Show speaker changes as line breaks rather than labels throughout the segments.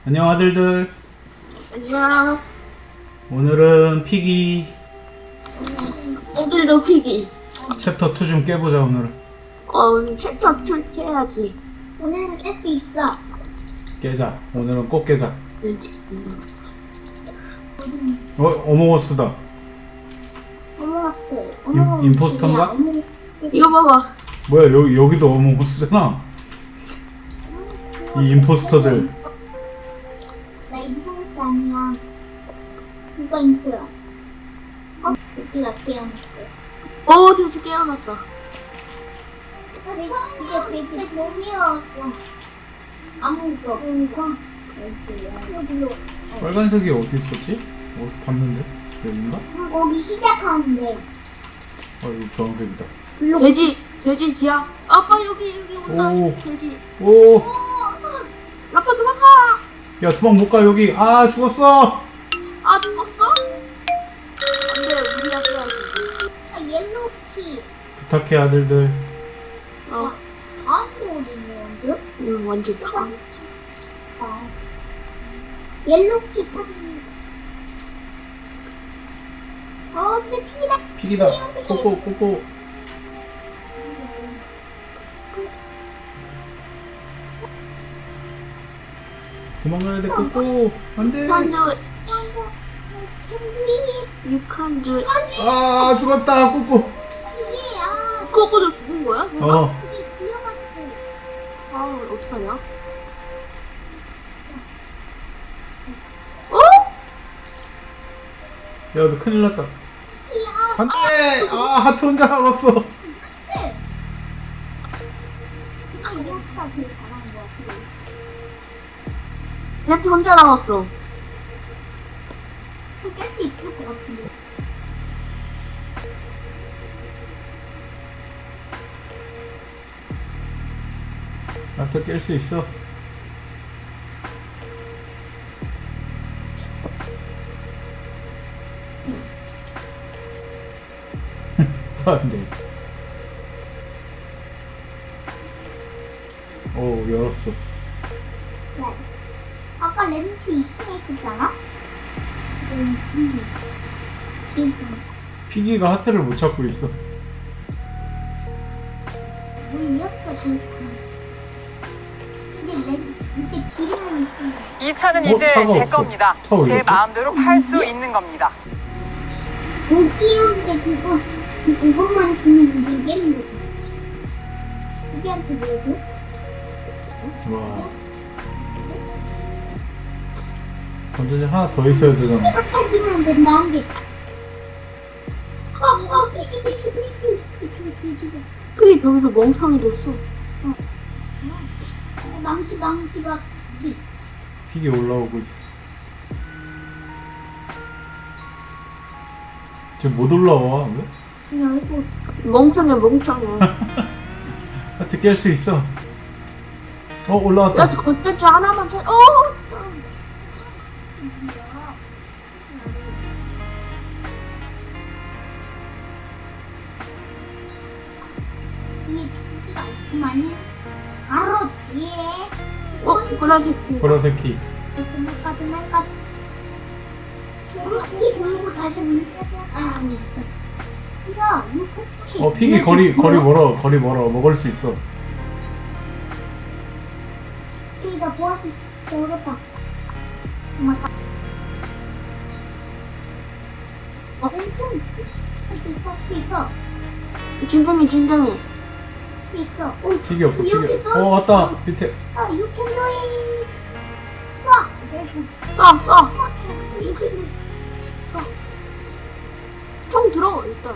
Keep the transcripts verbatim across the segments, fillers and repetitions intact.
안녕 아들들.
안녕.
오늘은 피기
오늘도 피기.
챕터 투 좀 깨보자. 오늘은
어, 우리 챕터 투 해야지.
오늘은 깰 수 있어.
깨자. 오늘은 꼭 깨자.
왠지.
어? 어몽어스다.
어머스.
임- 임포스터인가?
이거 봐봐.
뭐야, 여기, 여기도 어몽어스잖아. 이 임포스터들.
나 임포스터 아니야. 이거 임포야. 어? 여기가 깨어났어.
오, 돼지 깨어났다.
이게 돼지 몸이었어. 아무것도 없고.
빨간색이 어디 있었지? 어디서 봤는데? 여긴가?
거기 시작하는데.
아, 여기 주황색이다.
돼지, 돼지 지하. 아빠 여기 여기 온다.
오.
돼지.
오!
아빠 도망가.
야, 도망 못 가, 여기. 아, 죽었어!
아 죽었어? 안돼, 우리가 써야지.
아, 옐로우 키.
부탁해, 아들들.
어,
다음도 어디 있는 건데?
음, 완전 참.
아. 옐로우 키 사진. 어, 스피드다.
피기다. 꼬꼬, 꼬꼬. 도망가야 돼, 꼬꼬. 안 돼.
한주
캔디.
육한주.
아, 죽었다, 꼬꼬.
이게, 아,
꼬꼬도 죽은 거야?
어.
이게 위험하고.
아, 어떡하냐? 어?
야, 너 큰일 났다.
아,
안 돼! 아, 하트 혼자 남았어.
그치? 아, 이 학사가 제일 잘하는 것 같아.
얘한테 혼자 남았어.
깰 수 있을 것 같은데.
하트 깰 수 있어. 또 안 돼. 오, 열었어.
네. 아까 렌치 이쯤에 있었잖아? 음, 음. 음.
피기가 하트를 못 찾고 있어.
우리 이었어, 진짜. 근데 렌, 이제 기름은 있습니다.
이 차는
어,
이제
차가
제
없어.
겁니다.
차 어디
제
갔어?
마음대로 팔 수 있는 겁니다.
고기한테 그거, 이것만 주면 이제 깨는 거지. 고기한테 뭐라고?
와. 건전지 하나 더 있어야 되잖아.
생각해주면 된다, 한 개. 어, 어, 이게, 이게, 이게, 이게, 이게, 이게.
그게 거기서 멍청이 됐어.
어, 망치, 망치, 망치.
피기 올라오고 있어. 지금 못 올라와. 왜?
그냥 이거.
멍청이야, 멍청이.
하트 깰 수 있어. 어, 올라왔다.
야, 겉대지 하나만 찾, 어!
뒤에 피가 있구만. 바로 뒤에.
어, 보라색.
보라색 키.
도망가, 도망가. 코끼 돌고 다시 문. 아, 아니. 그래서 이 코끼.
어, 피기 거리, 거리 멀어. 거리 멀어. 먹을 수 있어.
피가 보았을 때 어렵다. 도망가. 어, 왼손. 할수 있어, 수 있어.
진정해, 진정해.
수 있어. 오,
피기 없어, 피기.
이렇게 써?
어, 왔다. 밑에.
아, you can do it. 쏴.
쏴, 쏴.
이렇게.
쏴. 총 들어, 일단.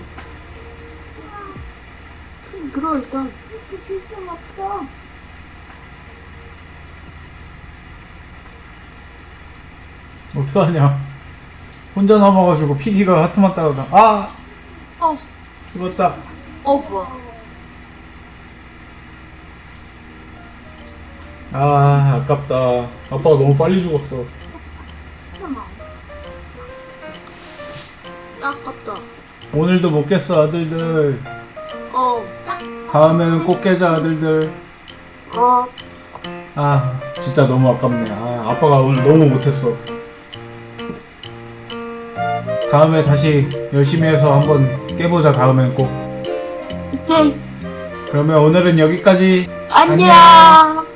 총 들어, 일단.
이렇게 줄 순 없어.
어떡하냐. 혼자 남아가지고 피기가 하트만 따라가. 아!
어,
죽었다.
어, 뭐야.
아, 아깝다. 아빠가 너무 빨리 죽었어.
잠깐만.
아깝다.
오늘도 못 깼어, 아들들.
어,
다음에는 꼭 깨자, 아들들.
어.
아, 진짜 너무 아깝네. 아, 아빠가 오늘 너무 못했어. 다음에 다시 열심히 해서 한번 깨보자. 다음엔 꼭.
오케이.
그러면 오늘은 여기까지.
안녕.